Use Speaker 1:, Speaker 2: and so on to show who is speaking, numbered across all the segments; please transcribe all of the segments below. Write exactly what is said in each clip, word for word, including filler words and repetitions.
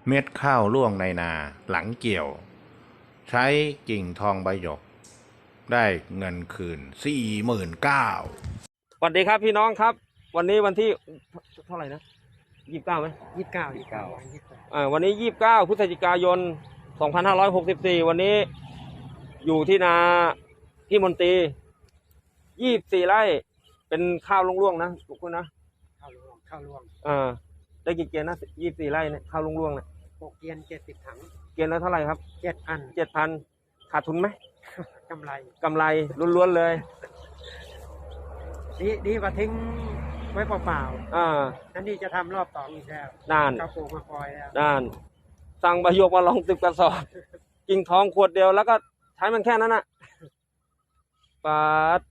Speaker 1: เม็ดข้าวร่วงในนาหลังเกี่ยว ใช้กิ่งทองใบหยก ได้เงินคืนสี่หมื่นเก้า
Speaker 2: สวัสดีครับพี่น้องครับ วันนี้วันที่เท่าไหร่นะยี่สิบเก้าไหม
Speaker 3: ยี่สิบเก้ายี่สิบเก้ายี่สิบเก้า
Speaker 2: อ่าวันนี้ยี่สิบเก้าพฤศจิกายนสองพันห้าร้อยหกสิบสี่วันนี้อยู่ที่นาพี่มนตรียี่สิบสี่ไร่เป็นข้าวร่วงๆนะทุกคนนะ
Speaker 3: ข้าวรวงข้าวรวง
Speaker 2: อ่าได้กี่เกียนนะยี่สิบสี่ไร่เนี่ยข้าวร่วงๆเนี่ย
Speaker 3: หกเกียนเจ็ดสิบถัง
Speaker 2: เกียนแล้วเท่าไหร่ครับ
Speaker 3: เจ็ดพัน
Speaker 2: เจ็ดพันขาดทุนไหม
Speaker 3: กำไร
Speaker 2: กำไรล้วนๆเลย
Speaker 3: ดีดีกว่าทิ้งไว้เปล่า
Speaker 2: ๆอ่า
Speaker 3: นั่นนี่จะทำรอบต่ออีกแล้ว
Speaker 2: นาน
Speaker 3: ข้าวปลูกมาปล่อยแล้ว
Speaker 2: นานสั่งใบหยกมาลองสิบกระสอบกิ่งทองขวดเดียวแล้วก็ใช้มันแค่นั้นน่ะปาด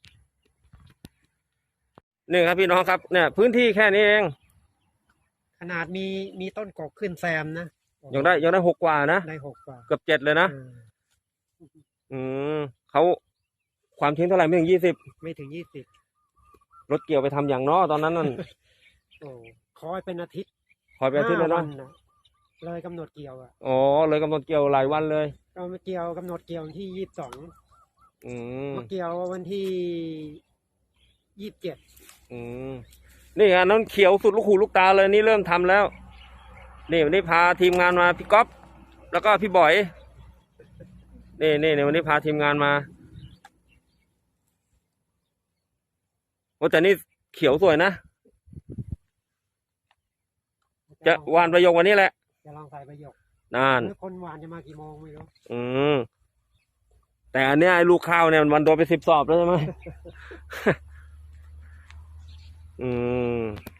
Speaker 2: นี่ครับพี่น้องครับเนี่ยพื้นที่แค่นี้เอง
Speaker 3: ขนาดมีมีต้นกกขึ้นแซมนะ
Speaker 2: ยังได้ยังได้หกกว่านะ
Speaker 3: ได้หกกว่า
Speaker 2: เกือบเจ็ดเลยนะอืมเขาความทิ้งเท่าไหร่ไม่ถึงยี่สิบ
Speaker 3: ไม่ถึงยี่สิบ
Speaker 2: รถเกี่ยวไปทำอย่างน้อตอนนั้นนั่น
Speaker 3: โอ้คอยเป็นอาทิตย์
Speaker 2: คอยเป็นอาทิตย์เลยเนาะ
Speaker 3: เลยกำหนดเกี่ยวอ่ะ
Speaker 2: อ๋อเลยกำหนดเกี่ยวหลายวันเลย
Speaker 3: เรามาเกี่ยวกำหนดเกี่ยวที่ยี่สิบสอง
Speaker 2: อืม
Speaker 3: มาเกี่ยววันที่ยี่สิบเจ็ด
Speaker 2: อืมนี่อันนั้นเขียวสุดลูกหูลูกตาเลยนี่เริ่มทำแล้วนี่วันนี้พาทีมงานมาพี่ก๊อฟแล้วก็พี่บอยนี่นี่ในวันนี้พาทีมงานมาโอ้แต่นี่เขียวสวยนะจะหวานประโยควันนี้แหละ
Speaker 3: จะลองใส่ประโยคน
Speaker 2: าน
Speaker 3: คนหวานจะมากี่โมงไม่รู้
Speaker 2: อืมแต่อันเนี้ยไอ้ลูกข้าวเนี่ยมันโดนไปสิบสอบแล้วใช่ไหมอืม